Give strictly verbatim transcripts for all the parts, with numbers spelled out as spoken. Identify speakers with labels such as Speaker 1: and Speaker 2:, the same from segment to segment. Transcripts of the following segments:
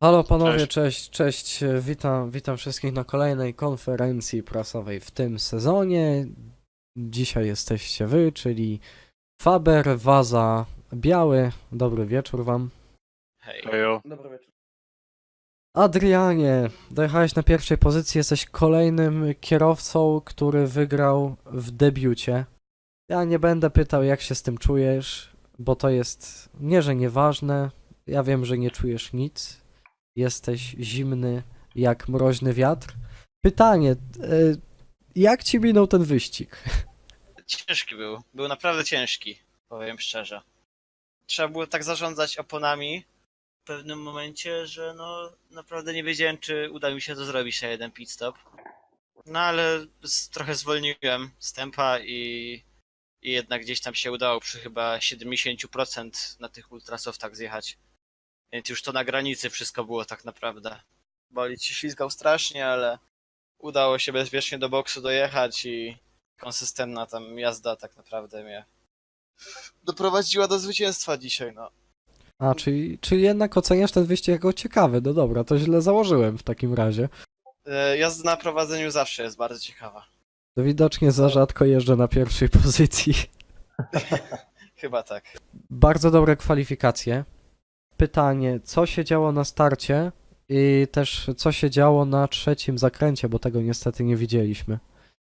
Speaker 1: Halo panowie,
Speaker 2: Cześć.
Speaker 1: cześć, cześć, e, witam, witam wszystkich na kolejnej konferencji prasowej w tym sezonie. Dzisiaj jesteście wy, czyli Faber, Waza, Biały. Dobry wieczór wam.
Speaker 2: Hej.
Speaker 3: Hejo.
Speaker 4: Dobry wieczór.
Speaker 1: Adrianie, dojechałeś na pierwszej pozycji, jesteś kolejnym kierowcą, który wygrał w debiucie. Ja nie będę pytał, jak się z tym czujesz, bo to jest nie, że nieważne. Ja wiem, że nie czujesz nic. Jesteś zimny jak mroźny wiatr. Pytanie, e, jak ci minął ten wyścig?
Speaker 2: Ciężki był. Był naprawdę ciężki, powiem szczerze. Trzeba było tak zarządzać oponami w pewnym momencie, że no naprawdę nie wiedziałem, czy uda mi się to zrobić na jeden pit stop. No ale z, trochę zwolniłem z tempa i, i jednak gdzieś tam się udało przy chyba siedemdziesiąt procent na tych ultrasoftach zjechać. Więc już to na granicy wszystko było tak naprawdę. Bolid się ślizgał strasznie, ale udało się bezpiecznie do boksu dojechać i konsystentna tam jazda tak naprawdę mnie doprowadziła do zwycięstwa dzisiaj, no.
Speaker 1: A, czyli, czyli jednak oceniasz ten wyścig jako ciekawy. No dobra, to źle założyłem w takim razie.
Speaker 2: E, Jazda na prowadzeniu zawsze jest bardzo ciekawa.
Speaker 1: To widocznie za rzadko jeżdżę na pierwszej pozycji.
Speaker 2: Chyba tak.
Speaker 1: Bardzo dobre kwalifikacje. Pytanie, co się działo na starcie i też co się działo na trzecim zakręcie, bo tego niestety nie widzieliśmy.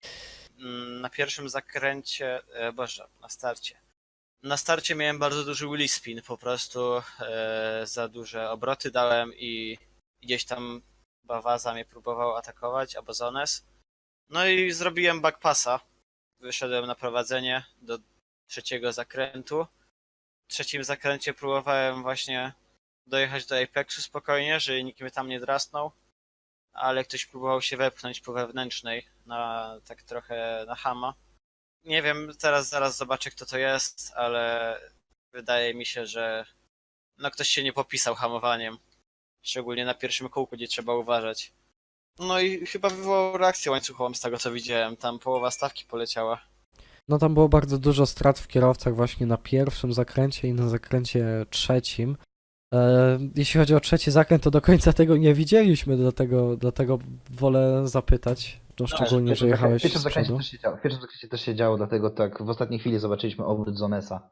Speaker 2: Mm, Na pierwszym zakręcie, e, boże, na starcie. Na starcie miałem bardzo duży wheel spin, po prostu e, za duże obroty dałem i gdzieś tam Bawaza mnie próbował atakować, albo Zones. No i zrobiłem backpassa. Wyszedłem na prowadzenie do trzeciego zakrętu. W trzecim zakręcie próbowałem właśnie dojechać do Apexu spokojnie, żeby nikt mnie tam nie drasnął, ale ktoś próbował się wepchnąć po wewnętrznej, na tak trochę na chama. Nie wiem, teraz zaraz zobaczę kto to jest, ale wydaje mi się, że no ktoś się nie popisał hamowaniem. Szczególnie na pierwszym kółku, gdzie trzeba uważać. No i chyba wywołał reakcję łańcuchową z tego co widziałem, tam połowa stawki poleciała.
Speaker 1: No tam było bardzo dużo strat w kierowcach właśnie na pierwszym zakręcie i na zakręcie trzecim. E, jeśli chodzi o trzeci zakręt, to do końca tego nie widzieliśmy, dlatego, dlatego wolę zapytać, no szczególnie, że jechałeś
Speaker 3: W pierwszym
Speaker 1: z
Speaker 3: zakręcie
Speaker 1: przodu.
Speaker 3: też się działo, w pierwszym zakręcie też się działo, dlatego tak w ostatniej chwili zobaczyliśmy obrót Zonesa.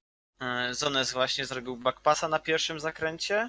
Speaker 2: E, Zones właśnie zrobił backpassa na pierwszym zakręcie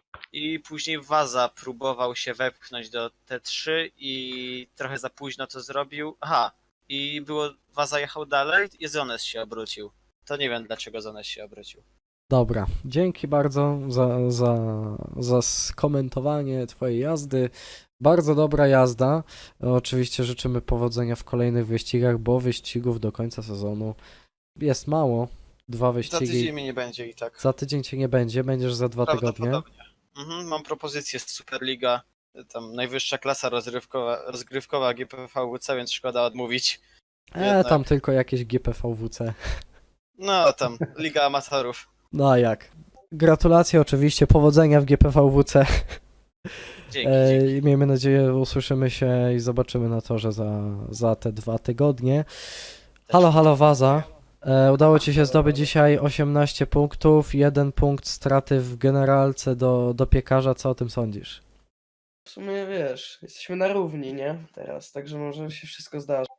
Speaker 2: i później Waza próbował się wepchnąć do T trzy i trochę za późno to zrobił. Aha, i było Waza jechał dalej i Zones się obrócił. To nie wiem dlaczego Zones się obrócił.
Speaker 1: Dobra, dzięki bardzo za, za, za skomentowanie twojej jazdy. Bardzo dobra jazda. Oczywiście życzymy powodzenia w kolejnych wyścigach, bo wyścigów do końca sezonu jest mało. Dwa
Speaker 2: Za
Speaker 1: wyścigi.
Speaker 2: tydzień mnie nie będzie i tak.
Speaker 1: Za tydzień cię nie będzie, będziesz za dwa tygodnie.
Speaker 2: Prawdopodobnie. Mhm, mam propozycję z Superliga. Tam najwyższa klasa rozrywkowa, rozgrywkowa G P V W C, więc szkoda odmówić.
Speaker 1: E,
Speaker 2: Jednak.
Speaker 1: tam tylko jakieś G P V W C.
Speaker 2: No tam, Liga Amatorów.
Speaker 1: No a jak? Gratulacje oczywiście, powodzenia w G P V W C.
Speaker 2: Dzięki,
Speaker 1: E,
Speaker 2: dzięki.
Speaker 1: i miejmy nadzieję, usłyszymy się i zobaczymy na torze za, za te dwa tygodnie. Halo, halo Waza. E, udało ci się zdobyć dzisiaj osiemnaście punktów, jeden punkt straty w generalce do, do piekarza. Co o tym sądzisz?
Speaker 4: W sumie wiesz, jesteśmy na równi, nie? Teraz, także może się wszystko zdarzy.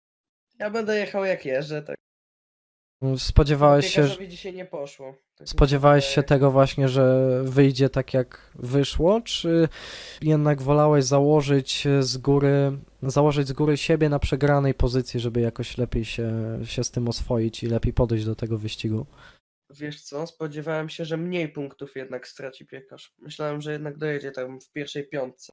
Speaker 4: Ja będę jechał jak jeżdżę, tak.
Speaker 1: Spodziewałeś się, że...
Speaker 4: Piekarzowi dzisiaj nie poszło. Tak mi
Speaker 1: Spodziewałeś się
Speaker 4: wydaje.
Speaker 1: tego właśnie, że wyjdzie tak jak wyszło, czy jednak wolałeś założyć z góry, założyć z góry siebie na przegranej pozycji, żeby jakoś lepiej się, się z tym oswoić i lepiej podejść do tego wyścigu?
Speaker 4: Wiesz co, spodziewałem się, że mniej punktów jednak straci piekarz. Myślałem, że jednak dojedzie tam w pierwszej piątce.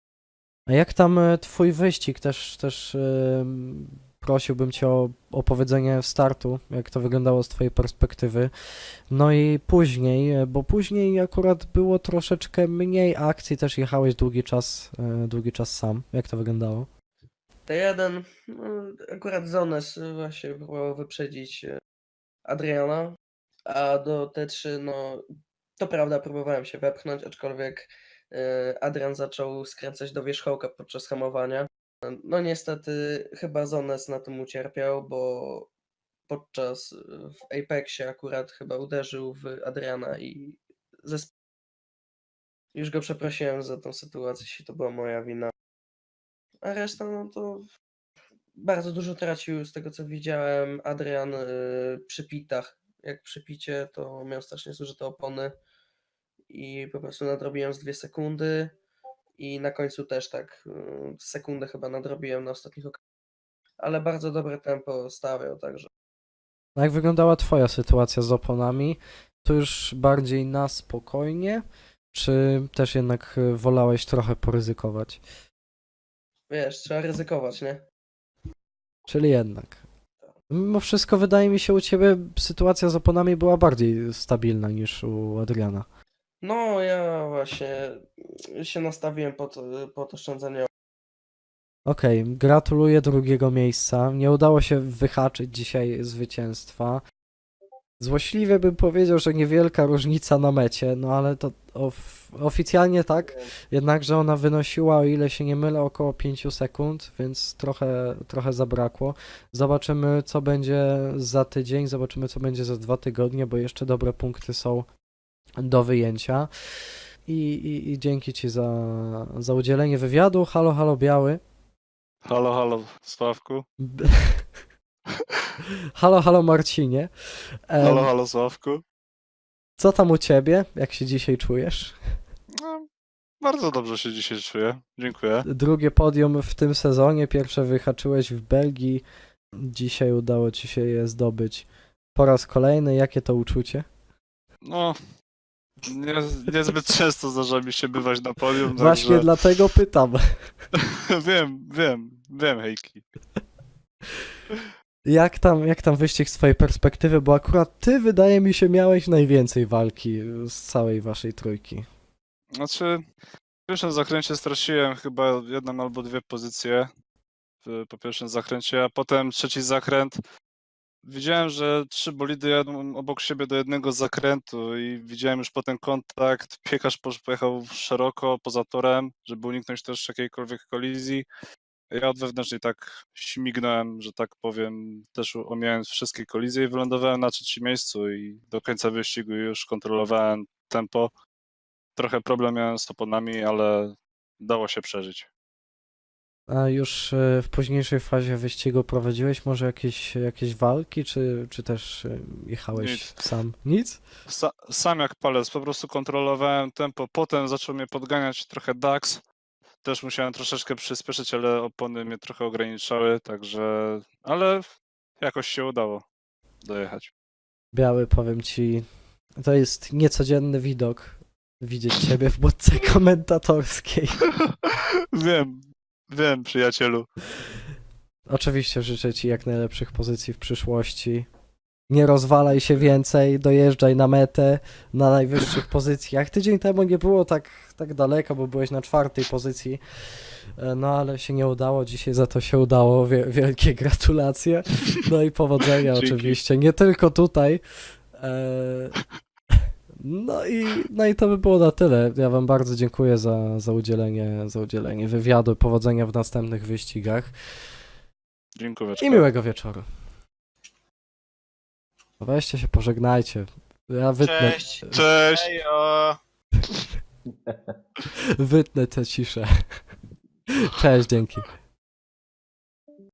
Speaker 1: A jak tam e, twój wyścig? Też, też em, prosiłbym cię o opowiedzenie startu, jak to wyglądało z twojej perspektywy. No i później, e, bo później akurat było troszeczkę mniej akcji, też jechałeś długi czas, e, długi czas sam. Jak to wyglądało?
Speaker 4: T jeden, no, akurat Zones właśnie próbował wyprzedzić e, Adriana, a do T trzy, no to prawda, próbowałem się wepchnąć, aczkolwiek e, Adrian zaczął skręcać do wierzchołka podczas hamowania. No niestety chyba Zones na tym ucierpiał, bo podczas e, w Apexie akurat chyba uderzył w Adriana i ze Już go przeprosiłem za tą sytuację, jeśli to była moja wina. A reszta, no to bardzo dużo tracił z tego, co widziałem. Adrian y, przy pitach. Jak przy picie, to miał strasznie zużyte opony i po prostu nadrobiłem z dwie sekundy. I na końcu też tak y, sekundę chyba nadrobiłem na ostatnich okresach. Ale bardzo dobre tempo stawiał, także.
Speaker 1: A jak wyglądała twoja sytuacja z oponami? To już bardziej na spokojnie, czy też jednak y, wolałeś trochę poryzykować?
Speaker 4: Wiesz, trzeba ryzykować, nie?
Speaker 1: Czyli jednak. Mimo wszystko wydaje mi się u ciebie sytuacja z oponami była bardziej stabilna niż u Adriana.
Speaker 4: No, ja właśnie się nastawiłem pod, pod oszczędzanie.
Speaker 1: Okej, gratuluję drugiego miejsca. Nie udało się wyhaczyć dzisiaj zwycięstwa. Złośliwie bym powiedział, że niewielka różnica na mecie, no ale to of oficjalnie tak, jednakże ona wynosiła, o ile się nie mylę, około pięć sekund, więc trochę, trochę zabrakło. Zobaczymy, co będzie za tydzień, zobaczymy, co będzie za dwa tygodnie, bo jeszcze dobre punkty są do wyjęcia. I, i, i dzięki Ci za, za udzielenie wywiadu. Halo, halo, Biały.
Speaker 5: Halo, halo, Sławku.
Speaker 1: B- Halo, halo, Marcinie. Em,
Speaker 5: Halo, halo, Sławku.
Speaker 1: Co tam u Ciebie? Jak się dzisiaj czujesz?
Speaker 5: No, bardzo dobrze się dzisiaj czuję. Dziękuję.
Speaker 1: Drugie podium w tym sezonie, pierwsze wyhaczyłeś w Belgii, dzisiaj udało Ci się je zdobyć po raz kolejny. Jakie to uczucie?
Speaker 5: No, nie, niezbyt często zdarza mi się bywać na podium,
Speaker 1: Właśnie
Speaker 5: także
Speaker 1: dlatego pytam.
Speaker 5: wiem, wiem, wiem, hejki.
Speaker 1: Jak tam, jak tam wyścig z Twojej perspektywy, bo akurat Ty, wydaje mi się, miałeś najwięcej walki z całej Waszej trójki.
Speaker 5: Znaczy, w pierwszym zakręcie straciłem chyba jedną albo dwie pozycje w, po pierwszym zakręcie, a potem trzeci zakręt. Widziałem, że trzy bolidy jadą obok siebie do jednego zakrętu i widziałem już potem kontakt. Piekarz posz- pojechał szeroko poza torem, żeby uniknąć też jakiejkolwiek kolizji. Ja od wewnętrznej tak śmignąłem, że tak powiem, też omijając wszystkie kolizje i wylądowałem na trzecim miejscu i do końca wyścigu już kontrolowałem tempo. Trochę problem miałem z oponami, ale dało się przeżyć.
Speaker 1: A już e, w późniejszej fazie wyścigu prowadziłeś może jakieś, jakieś walki, czy, czy też e, jechałeś
Speaker 5: Nic.
Speaker 1: sam? Nic?
Speaker 5: Sa- sam jak palec, po prostu kontrolowałem tempo. Potem zaczął mnie podganiać trochę Dax. Też musiałem troszeczkę przyspieszyć, ale opony mnie trochę ograniczały, także... Ale jakoś się udało dojechać.
Speaker 1: Biały, powiem Ci, to jest niecodzienny widok widzieć Ciebie w budce komentatorskiej.
Speaker 5: Wiem, wiem, przyjacielu.
Speaker 1: Oczywiście życzę Ci jak najlepszych pozycji w przyszłości. Nie rozwalaj się więcej, dojeżdżaj na metę na najwyższych pozycjach. Tydzień temu nie było tak, tak daleko, bo byłeś na czwartej pozycji, e, no ale się nie udało, dzisiaj za to się udało. Wie, wielkie gratulacje. No i powodzenia
Speaker 5: Dzięki.
Speaker 1: oczywiście, nie tylko tutaj. E, No i, no i to by było na tyle. Ja Wam bardzo dziękuję za, za, udzielenie, za udzielenie wywiadu. Powodzenia w następnych wyścigach
Speaker 5: Dziękuję.
Speaker 1: i miłego wieczoru. Weźcie się, pożegnajcie. Ja wytnę,
Speaker 2: Cześć.
Speaker 5: Cześć!
Speaker 2: Hejo.
Speaker 1: wytnę tę ciszę. Cześć, dzięki.